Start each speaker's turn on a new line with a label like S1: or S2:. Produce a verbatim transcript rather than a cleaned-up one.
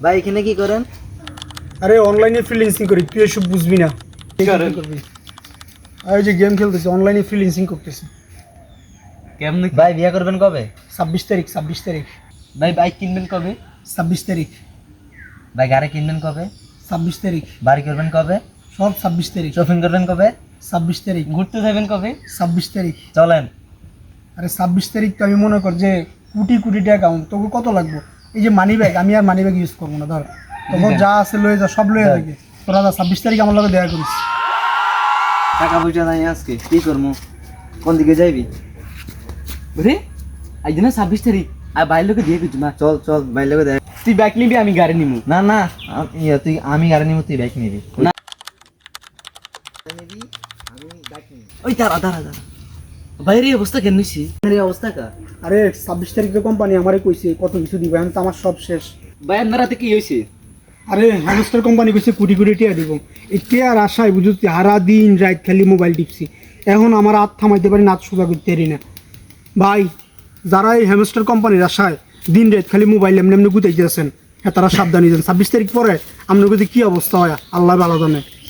S1: ভাই এখানে কি করেন?
S2: আরে অনলাইনে ফ্রিল্যান্সিং করি, তুই এসব বুঝবি না।
S1: কি করেন?
S2: আর ওই যে গেম খেলতেছি, অনলাইনে ফ্রিল্যান্সিং করতেছি।
S1: কেমনে? ভাই বিয়ে করবেন কবে?
S2: ছাব্বিশ তারিখ ছাব্বিশ তারিখ
S1: ভাই বাইক কিনবেন কবে?
S2: ছাব্বিশ তারিখ
S1: ভাই গাড়ি কিনবেন কবে?
S2: ছাব্বিশ তারিখ
S1: বাড়ি করবেন কবে?
S2: সব ছাব্বিশ তারিখ
S1: শপিং করবেন কবে?
S2: ছাব্বিশ তারিখ
S1: ঘুরতে যাবেন কবে?
S2: ছাব্বিশ তারিখ
S1: চলেন।
S2: আরে ছাব্বিশ তারিখ তো আমি মনে কর যে কোটি কোটি টাকা অ্যাকাউন্ট, তোকে কত লাগবে? এই যে মানি ব্যাগ, আমি আর মানি ব্যাগ ইউজ করবো না, ধর তখন যা আছে লয়ে যা, সব লয়ে যাবে। তোরা যা ছাব্বিশ তারিখ আমার লগে দেখা করিস।
S1: টাকা পয়সা নাই আজকে, কি করবো? কোন দিকে যাইবি? রে আজ না ছাব্বিশ তারিখ, আর বাইর লোকে দিয়ে দিচ্ছি মা। চল চল বাইর লোকে দেখ। তুই বাইক নিবি, আমি গাড়ি নিবো। না না আম- ইয়া, তুই আমি গাড়ি নিবো, তুই বাইক নিবি না। ওই দাঁড়া দাঁড়া দাঁড়া, বাইরে এই অবস্থা কেন নিছি? এই অবস্থা কা?
S2: আরে ছাব্বিশ তারিখে কোম্পানি আমারে কইছে কত কিছু দিবে, এখন তো আমার সব শেষ।
S1: ভাই আপনার রাতে কি হয়েছে?
S2: আরে হ্যামস্টার কোম্পানি কইছে কোটি কোটি টাকা দিব। এই টিয়ার আশায় বুঝছি সারা দিন রাত খালি মোবাইল টিপছি, এখন আমার হাত থামাইতে পারি না, হাত সোজা করতে পারি না। ভাই যারা এই হ্যামস্টার কোম্পানির আশায় দিন রাত খালি মোবাইল এমনি এমনি গুতাইতেছেন, হ্যাঁ তারা সাবধানে যান। ছাব্বিশ তারিখ পরে আপনার কাছে কি অবস্থা হয় আল্লাহ ভালো জানে।